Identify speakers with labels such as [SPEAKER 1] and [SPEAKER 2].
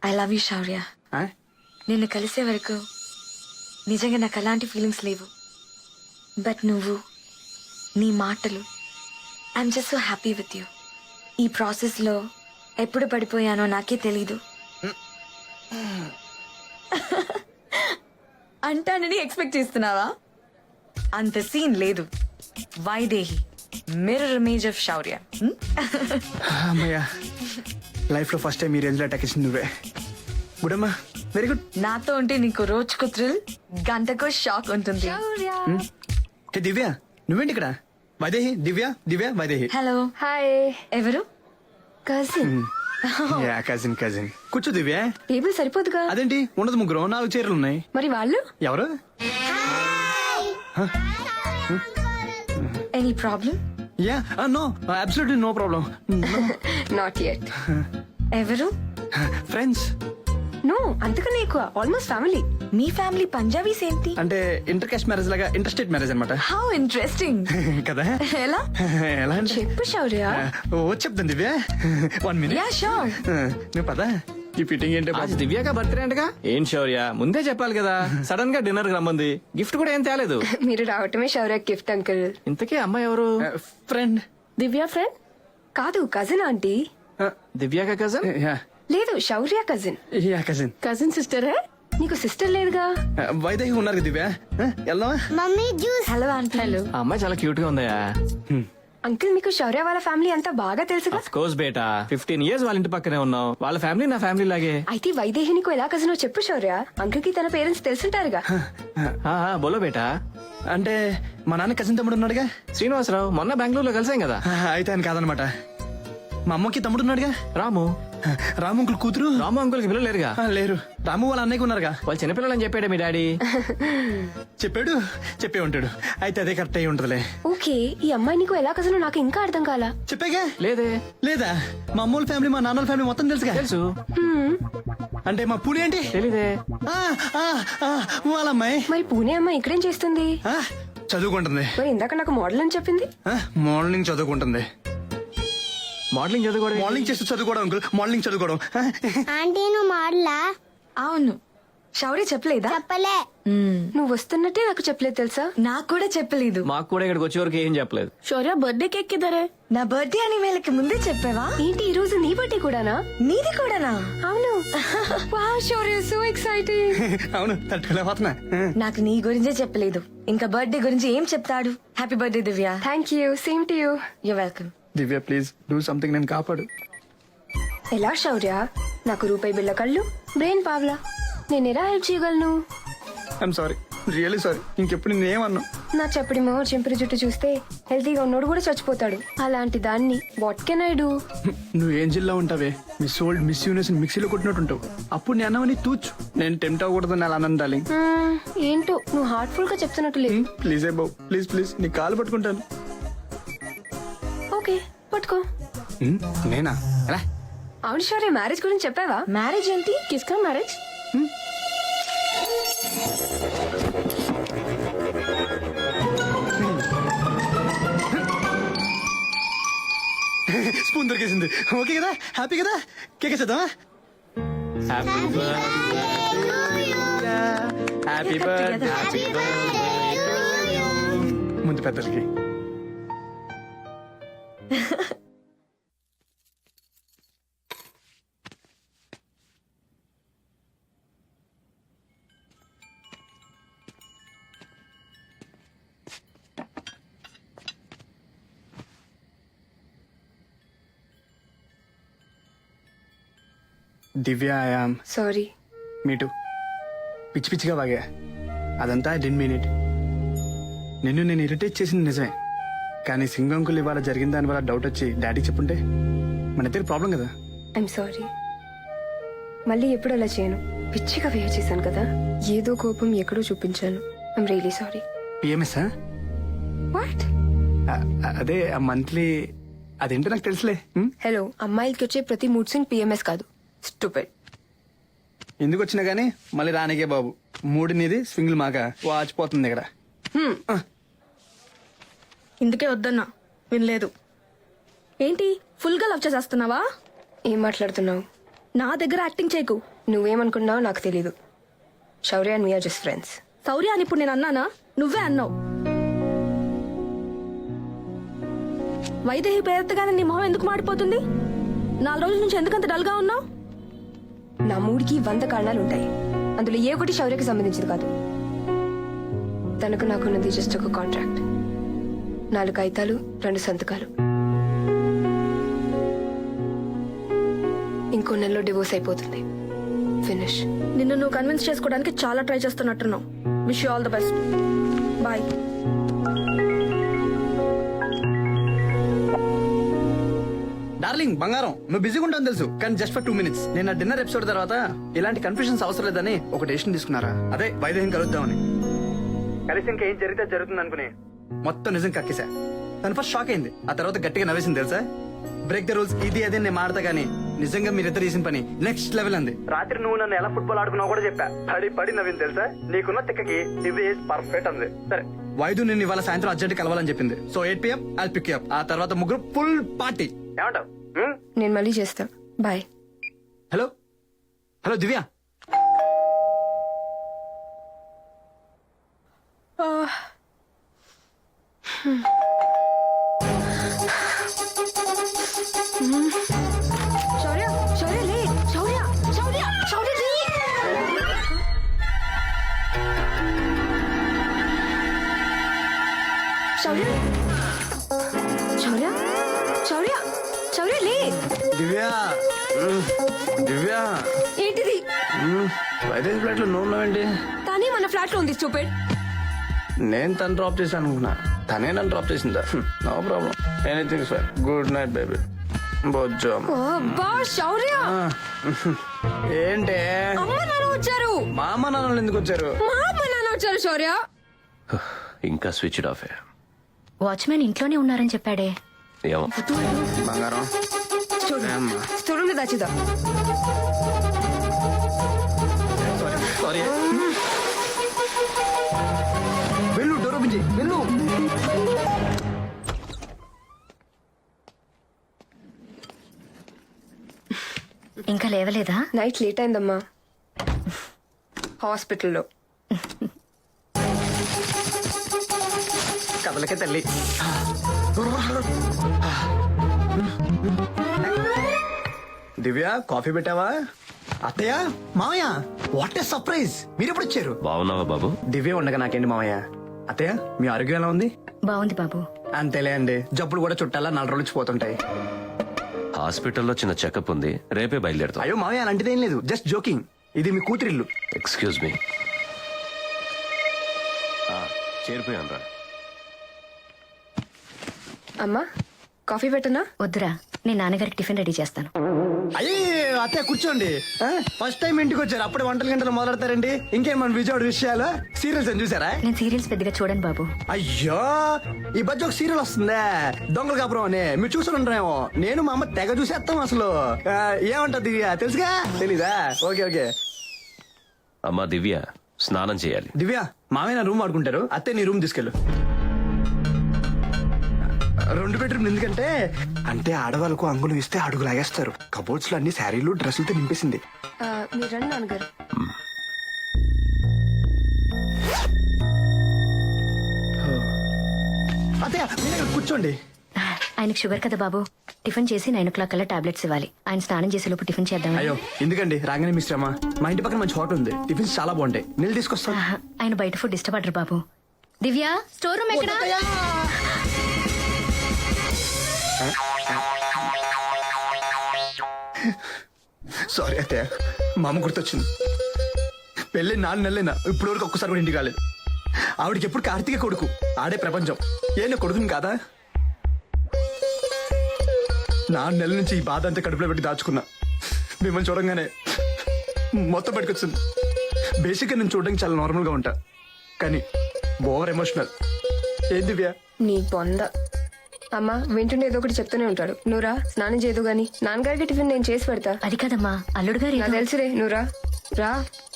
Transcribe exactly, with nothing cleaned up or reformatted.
[SPEAKER 1] I love you శౌర్య.
[SPEAKER 2] ఆ?
[SPEAKER 1] నిన్ను కలిసే వరకు నిజంగా నాకు అలాంటి ఫీలింగ్స్ లేవు. బట్ నువ్వు, నీ మాటలు, I'm just so happy with you. ఈ ప్రాసెస్లో ఎప్పుడు పడిపోయానో నాకే తెలీదు. అంటానని ఎక్స్పెక్ట్ చేస్తున్నావా? అంత సీన్ లేదు. Vaidehi, mirror image of Shaurya.
[SPEAKER 2] అమ్మయ్యా, లైఫ్ లో ఫస్ట్ టైం ఈ రేంజ్ లో అటాక్ ఇచ్చింది నువ్వే. గుడ్ అమ్మా, వెరీ గుడ్.
[SPEAKER 1] నాతో ఉంటే నీకు రోజుకు థ్రిల్, గంటకు షాక్ ఉంటుంది.
[SPEAKER 2] ఏ దివ్య, నువ్వేంటి ఇక్కడ? వైదేహి, దివ్య, దివ్య, వైదేహి.
[SPEAKER 1] హలో.
[SPEAKER 3] హాయ్.
[SPEAKER 1] ఎవరు?
[SPEAKER 3] కజిన్.
[SPEAKER 2] Yeah, cousin cousin. కూర్చో దివ్య.
[SPEAKER 3] టేబుల్ సరిపోదుగా?
[SPEAKER 2] అదేంటి, ఉండదు, ముగ్గురు, నాలుగు చీరలు ఉన్నాయి.
[SPEAKER 3] మరి వాళ్ళు?
[SPEAKER 2] ఎవరు?
[SPEAKER 1] Any problem?
[SPEAKER 2] Yeah, no, absolutely no problem.
[SPEAKER 3] Not yet.
[SPEAKER 1] ఎవరు?
[SPEAKER 2] ఫ్రెండ్స్.
[SPEAKER 3] నో, అంతకన్నా ఎక్కువ, ఆల్మోస్ట్ ఫ్యామిలీ.
[SPEAKER 1] మీ ఫ్యామిలీ పంజాబీస్ ఏంటి?
[SPEAKER 2] అంటే ఇంటర్ కాస్ట్ మ్యారేజ్ లాగా, ఇంటర్ స్టేట్ మ్యారేజ్ అనమాట.
[SPEAKER 1] How interesting.
[SPEAKER 2] కదా?
[SPEAKER 1] ఎలా?
[SPEAKER 2] ఎలా అంటే
[SPEAKER 3] చెప్పు శౌర్య.
[SPEAKER 2] ఓ చెప్తాను Divya, one minute.
[SPEAKER 1] Yeah sure.
[SPEAKER 2] నువ్వు పదా, ఈ ఫిట్టింగ్ ఏంటో
[SPEAKER 4] आज దివ్యాక బర్త్డే అంటగా. ఏం శౌర్య, ముందే చెప్పాలి కదా. సడన్ గా డిన్నర్ కి రమ్మంది, గిఫ్ట్ కూడా ఏం తేలేదు.
[SPEAKER 3] మీరు రావటమే శౌర్య గిఫ్ట్ అంకుల్.
[SPEAKER 4] ఇంతకీ అమ్మాయి ఎవరు?
[SPEAKER 2] ఫ్రెండ్.
[SPEAKER 3] దివ్య ఫ్రెండ్ కాదు, కజిన్ ఆంటీ.
[SPEAKER 4] దివ్యాక కజన్?
[SPEAKER 2] యా
[SPEAKER 3] లేదు, Shaurya cousin.
[SPEAKER 2] Yeah cousin.
[SPEAKER 3] Cousin sister hey? నీకు సిస్టర్ లేదుగా?
[SPEAKER 2] వైదేహి ఉన్నారు కదా దివ్య, వెళ్దామా?
[SPEAKER 5] Mummy juice.
[SPEAKER 1] Hello aunty.
[SPEAKER 3] Hello
[SPEAKER 4] ఆ అమ్మాయి చాలా క్యూట్ గా ఉందయా.
[SPEAKER 3] అంకుల్, మీకు శౌర్య వాళ్ళ ఫ్యామిలీ అంతా బాగా తెలుసుగా?
[SPEAKER 4] అఫ్ కోర్స్ బేటా, ఫిఫ్టీన్ ఇయర్స్ వాళ్ళ ఇంటి పక్కనే ఉన్నాం. వాళ్ళ ఫ్యామిలీ నా ఫ్యామిలీ లాగే.
[SPEAKER 3] అయితే వైదేహి నీకు ఎలా కజినో చెప్పు శౌర్య. అంకుల్ కి తన పేరెంట్స్ తెలుసుంటారుగా.
[SPEAKER 4] ఆ, ఆ, బోలో బేటా.
[SPEAKER 2] అంటే మా నాన్న కజిన్ తమ్ముడు ఉన్నాడుగా.
[SPEAKER 4] శ్రీనివాసరావు, మొన్న బెంగళూరులో కలిసాం కదా.
[SPEAKER 2] అయితే ఆయన కాదనమాట. మా అమ్మకి తమ్ముడు ఉన్నాడుగా,
[SPEAKER 4] రాము.
[SPEAKER 2] రాము అంకుల్ కూతురు.
[SPEAKER 4] రాము అంకుల్ కి పిల్లలు లేరుగా.
[SPEAKER 2] ఆ, లేరు. రాము వాళ్ళ అన్నయ్యకి ఉన్నారుగా.
[SPEAKER 4] వాళ్ళు చిన్నపిల్లలని చెప్పాడే మీ డాడీ.
[SPEAKER 2] చెప్పాడు, చెప్పే ఉంటాడు. అయితే అదే కరెక్ట్ అయి ఉంటదిలే.
[SPEAKER 3] ఓకే, ఈ అమ్మాయి నీకు ఎలా కజినో నాకు ఇంకా అర్థం కాలా.
[SPEAKER 2] చెప్పాగా.
[SPEAKER 4] లేదే.
[SPEAKER 2] లేదా, మా అమ్మోళ్ళ ఫ్యామిలీ, మా నాన్నల ఫ్యామిలీ మొత్తం తెలుసుగా.
[SPEAKER 4] తెలుసు.
[SPEAKER 3] హ్మ్,
[SPEAKER 2] అంటే మా పూణే ఏంటి?
[SPEAKER 4] తెలీదే.
[SPEAKER 2] ఆ, ఆ, ఆ, వాళ్ళ అమ్మాయి
[SPEAKER 3] మరి పూణే అమ్మాయి ఇక్కడేం చేస్తుంది?
[SPEAKER 2] ఆ, చదువుకుంటుంది.
[SPEAKER 3] మరి ఇందాక నాకు మోడల్ అని చెప్పింది.
[SPEAKER 2] ఆ, మార్నింగ్ చదువుకుంటుంది.
[SPEAKER 4] మోడలింగ్ చదువుకోవడం.
[SPEAKER 2] మార్నింగ్ చేస్తూ చదువుకోవడం అంకుల్, మార్నింగ్ చదువుకోవడం. ఆ,
[SPEAKER 5] ఆంటీ నువ్వు మాడలా?
[SPEAKER 1] అవును. శౌర్య చెప్పలేదా?
[SPEAKER 5] చెప్పలే.
[SPEAKER 1] మ్మ్.
[SPEAKER 3] నువ్వు వస్తున్నట్టే నాకు చెప్పలేదు తెలుసా?
[SPEAKER 1] నాకు కూడా చెప్పలేదు.
[SPEAKER 4] మాకు కూడా ఇక్కడికి వచ్చే వరకు ఏం చెప్పలేదు.
[SPEAKER 3] శౌర్య బర్త్డే కేక్ కిదరే?
[SPEAKER 1] నా బర్త్డే అని వీళ్ళకి ముందే చెప్పావా?
[SPEAKER 3] ఏంటి ఈ రోజు నీ బర్త్డే కూడానా?
[SPEAKER 1] నీది కూడానా?
[SPEAKER 3] అవును. Wow Shaurya, so exciting.
[SPEAKER 2] అవును, తట్టుకోలేకపోతున్నా.
[SPEAKER 1] నాకు నీ గురించే చెప్పలేదు, ఇంకా బర్త్డే గురించి ఏం చెప్తాడు? Happy birthday Divya.
[SPEAKER 3] Thank you, same to you.
[SPEAKER 1] You welcome.
[SPEAKER 2] Divya please do something, నేను కాపాడు.
[SPEAKER 3] ఎలా శౌర్య? నాకు రూపాయి బిళ్ళ కళ్ళు, బ్రెయిన్ పావ్లా. నేను ఎలా హెల్ప్ చేయగలను?
[SPEAKER 2] I'm sorry, really sorry. ఇంకెప్పుడు నేనేమన్నా.
[SPEAKER 3] నా చెప్పడి మొహ చెంపిరి జుట్టు చూస్తే హెల్తీగా ఉన్నోడు కూడా చచ్చిపోతాడు. అలాంటి దాన్ని వాట్ కెన్ ఐ డూ?
[SPEAKER 2] నువ్వు ఏం జిల్లా ఉంటావే, మిస్ ఓల్డ్ మిస్ యూనివర్స్ మిక్సీలో కొట్టినట్టు ఉంటావు. అప్పుడు నేను అన్నవని తూచు. నేను టెంప్ట్ అవ్వకూడదని అలా అన్నాను డార్లింగ్.
[SPEAKER 3] మ్మ్, ఏంటో నువ్వు హార్ట్ఫుల్ గా చెప్తున్నట్టు లేదు.
[SPEAKER 2] ప్లీజ్ ఏ బాబు, ప్లీజ్ ప్లీజ్, నీ కాలు పట్టుకుంటాను.
[SPEAKER 3] ఓకే, పట్టుకో.
[SPEAKER 2] హ్మ్, నేనా? ఎలా?
[SPEAKER 3] అవును శౌర్య, మ్యారేజ్ గురించి చెప్పావా?
[SPEAKER 1] మ్యారేజ్ ఏంటి?
[SPEAKER 3] కిస్కా మ్యారేజ్?
[SPEAKER 2] స్పూన్ దొరికేసింది. ఓకే కదా, హ్యాపీ కదా? కేక్ చేద్దామా? హ్యాపీ బర్త్డే ముందు పెద్దలకి. దివ్య, ఐయామ్
[SPEAKER 3] సారీ.
[SPEAKER 2] మీటు పిచ్చి పిచ్చిగా బాగా, అదంతా డెన్ మినిట్. నిన్ను నేను ఇరిటేట్ చేసింది నిజమే, కానీ సింగంకులు ఇవాళ జరిగిన దాని వల్ల డౌట్ వచ్చి డాడీకి చెప్పుంటే మన ఇద్దరు ప్రాబ్లం కదా.
[SPEAKER 3] I'm sorry. మళ్ళీ ఎప్పుడు అలా చేయను. పిచ్చిగా వేర్ చేశాను కదా, ఏదో కోపం ఎక్కడో చూపించాను. I'm really sorry.
[SPEAKER 2] PMS?
[SPEAKER 3] What?
[SPEAKER 2] అదే ఆ మంత్లీ, అదేంటో నాకు తెలుసులే. ఉం?
[SPEAKER 3] హలో, అమ్మాయిలకి వచ్చే ప్రతి మూడ్ స్వింగ్ పిఎంఎస్ కాదు. స్టూపిడ్.
[SPEAKER 2] ఎందుకు వచ్చినా గానీ మళ్ళీ రానికే బాబు. మూడు నీది, స్వింగ్లు మాక వాచిపోతుంది ఇక్కడ.
[SPEAKER 6] ఇందుకే వద్దన్నా, వినలేదు. ఏంటి ఫుల్ గా లవ్ చేసేస్తున్నావా?
[SPEAKER 3] ఏం మాట్లాడుతున్నావు?
[SPEAKER 6] నా దగ్గర యాక్టింగ్ చేయకు.
[SPEAKER 3] నువ్వేమనుకున్నావో నాకు తెలీదు. Shaurya and me are just friends.
[SPEAKER 6] Shaurya అని ఇప్పుడు నేను అన్నానా? నువ్వే అన్నావు. వైదేహి పేరెత్తగానే నీ మొహం ఎందుకు మాడిపోతుంది? నాలుగు రోజుల నుంచి ఎందుకంత డల్గా ఉన్నావు?
[SPEAKER 3] నా మూడికి వంద కారణాలు ఉంటాయి. అందులో ఏ ఒకటి శౌర్యకి సంబంధించింది కాదు. తనకు నాకున్నది జస్ట్ ఒక కాంట్రాక్ట్. నాలుగు కాగితాలు, రెండు సంతకాలు. ఇంకో నెలలో డివోర్స్ అయిపోతుంది. ఫినిష్.
[SPEAKER 6] నిన్ను నువ్వు కన్విన్స్ చేసుకోవడానికి చాలా ట్రై చేస్తున్నట్టున్నావు. Wish you all the best. Bye.
[SPEAKER 2] Darling బంగారం, నువ్వు బిజీగా ఉంటావు తెలుసు, కానీ జస్ట్ ఫర్ టూ మినిట్స్. నేను ఆ డిన్నర్ ఎపిసోడ్ తర్వాత ఇలాంటి కన్ఫ్యూషన్స్ అవసరం లేదని ఒక డెసిషన్ తీసుకున్నారా? అదే వైదేహిని కలుద్దామని. కలిసి ఇంకా ఏం జరిగితే జరుగుతుంది అనుకుని మొత్తం నిజం కక్కేసా. తను ఫస్ట్ షాక్ అయింది, ఆ తర్వాత గట్టిగా నవ్వేసింది తెలుసా. బ్రేక్ ద రూల్స్ ఇది అదే నేను మాడతా గానీ నిజంగా మీరిద్దరు చేసిన పని నెక్స్ట్ లెవెల్ అంది. రాత్రి నువ్వు నన్ను ఎలా ఫుట్బాల్ ఆడుకున్నావు కూడా చెప్పా. పడి పడి నవ్వింది తెలుసా. నీకున్న తిక్కకి ఇది పర్ఫెక్ట్ అంది. సరే వైద్యు నిన్ను ఇవాళ సాయంత్రం అర్జెంట్ కలవాలని చెప్పింది. So eight PM I pick up. ఆ తర్వాత ముగ్గురు ఫుల్ పార్టీ. ఏమంటావు?
[SPEAKER 3] నేను మళ్ళీ చేస్తా. Bye.
[SPEAKER 2] Hello hello Divya.
[SPEAKER 3] Shaurya, Shaurya లే. శౌర్య, శౌర్య, శౌర్య లే. శౌర్య, శౌర్య, శౌర్య, శౌర్య లే.
[SPEAKER 2] దివ్య దివ్య
[SPEAKER 3] ఏంటిది?
[SPEAKER 2] వైదేహి ఫ్లాట్ లో నువ్వు ఉన్నావేంటి?
[SPEAKER 3] కానీ మన ఫ్లాట్ లో ఉంది. స్టూపిడ్.
[SPEAKER 2] నేను తను డ్రాప్ చేశాను అనుకున్నా, తనే నన్ను డ్రాప్ చేసిందా? No problem, anything sir. Good night baby. బొజ్జో.
[SPEAKER 3] అబ్బా శౌర్య.
[SPEAKER 2] ఏంటే
[SPEAKER 3] అమ్మ నాన్న వచ్చారు.
[SPEAKER 2] మా అమ్మ నాన్నలు ఎందుకు వచ్చారు?
[SPEAKER 3] మా అమ్మ నాన్న వచ్చారు శౌర్య.
[SPEAKER 7] ఇంకా స్విచ్ ఆఫ్.
[SPEAKER 8] వాచ్మెన్ ఇంట్లోనే ఉన్నారని చెప్పాడే.
[SPEAKER 7] ఏమో.
[SPEAKER 2] బంగారం
[SPEAKER 3] స్టోర్ రూమ్ లో దాచిదా.
[SPEAKER 2] సారీ. వెళ్ళు, డోర్ ఓపెన్ చేయి. వెళ్ళు.
[SPEAKER 8] ఇంకా లేవలేదా?
[SPEAKER 3] నైట్ లేట్ అయిందమ్మా. హాస్పిటల్లో.
[SPEAKER 2] కదలకే తల్లి. దివ్య కాఫీ పెట్టావా? అత్తయ్య, మామయ్య, వాట్ ఏ సర్ప్రైజ్. మీరు ఎప్పుడు వచ్చారు?
[SPEAKER 7] బాగున్నావా బాబు?
[SPEAKER 2] దివ్య ఉండగా నాకేంటి మామయ్య. అత్తయ్య మీ ఆరోగ్యం ఎలా ఉంది?
[SPEAKER 8] బాగుంది బాబు.
[SPEAKER 2] అంతేలే అండి, జబ్బులు కూడా చుట్టాలా నాలుగు రోజులు పోతుంటాయి.
[SPEAKER 7] హాస్పిటల్లో చిన్న చెకప్ ఉంది, రేపే బయలుదేరుతాం.
[SPEAKER 2] అయ్యో మామయ్య అలాంటిదేం లేదు, జస్ట్ జోకింగ్. ఇది మీ కూతురిల్లు.
[SPEAKER 7] Excuse me. చేరిపోయాను రా.
[SPEAKER 3] అమ్మా కాఫీ పెట్టనా?
[SPEAKER 8] వద్దురా, నేను నాన్నగారికి టిఫిన్ రెడీ చేస్తాను.
[SPEAKER 2] అయ్యే అత్తయ్య కూర్చోండి. ఫస్ట్ టైం ఇంటికి వచ్చారు, అప్పుడే వంటల గంటలు మొదలెడతారండి. ఇంకేం మన విజయవాడ విషయాలు సీరియల్స్ అని చూసారా?
[SPEAKER 8] నేను సీరియల్స్ పెద్దగా చూడను బాబు.
[SPEAKER 2] అయ్యో ఈ మధ్య ఒక సీరియల్ వస్తుందే, దొంగల కాపురం అని. మీరు చూసి ఉంటారేమో. నేను మా అమ్మ తెగ చూసేస్తాం అసలు. ఆ, ఏమంటది తెలుసుగా? తెలీదా? Okay okay.
[SPEAKER 7] అమ్మా దివ్య స్నానం చేయాలి.
[SPEAKER 2] దివ్య మామయ్య నా రూమ్ ఆడుకుంటారు, అత్తే నీ రూమ్ తీసుకెళ్ళు. రెండు బెడ్రూమ్ ఎందుకంటే అంటే ఆడవాళ్ళకు అంగులు ఇస్తే అడుగు లాగేస్తారు. కబోర్డ్స్ లో అన్ని శారీలు డ్రెస్సులతో నింపేసింది.
[SPEAKER 3] ఆ, మీరు రండి నాన్నగారు.
[SPEAKER 2] అత్తయ్య మీరు ఇక్కడ కూర్చోండి.
[SPEAKER 8] ఆయనకు షుగర్ కదా బాబు. టిఫిన్ చేసి నైన్ ఓ క్లాక్ కల్లా టాబ్లెట్స్ ఇవ్వాలి. ఆయన స్నానం చేసే లోపు టిఫిన్ చేద్దాం.
[SPEAKER 2] అయ్యో ఎందుకండి, రాగానే మీ శ్రమ. మా ఇంటి పక్కన మంచి హోటల్ ఉంది, టిఫిన్స్ చాలా బాగుంటాయి. నీళ్ళు తీసుకొస్తా.
[SPEAKER 8] ఆయన బయట ఫుడ్ ఇష్టపడరు బాబు. దివ్య స్టోర్ రూమ్ ఎక్కడ?
[SPEAKER 2] సారీ అత్తయ్య, మా అమ్మ గుర్తొచ్చింది. పెళ్ళి నాలుగు నెలలైనా ఇప్పుడు వరకు ఒక్కసారి కూడా ఇంటికి కాలేదు. ఆవిడకి ఎప్పుడు కార్తీక కొడుకు, ఆడే ప్రపంచం. ఏ నా కొడుకుని కాదా? నాలుగు నెలల నుంచి ఈ బాధ అంతా కడుపులో పెట్టి దాచుకున్నా. మిమ్మల్ని చూడంగానే మొత్తం పట్టుకొచ్చింది. బేసిక్గా నేను చూడడానికి చాలా నార్మల్ గా ఉంటా, కానీ ఓవర్ ఎమోషనల్. ఏం దివ్య?
[SPEAKER 3] నీ పొంద. అమ్మా వింటుండే ఏదో ఒకటి చెప్తూనే ఉంటాడు. నువ్వురా స్నానం చేయదు గాని నాన్నగారికి టిఫిన్ నేను చేసి పెడతా.
[SPEAKER 8] అది కదమ్మా, అల్లుడు గారు
[SPEAKER 3] నాకు తెలుసురే, నువ్వురా రా.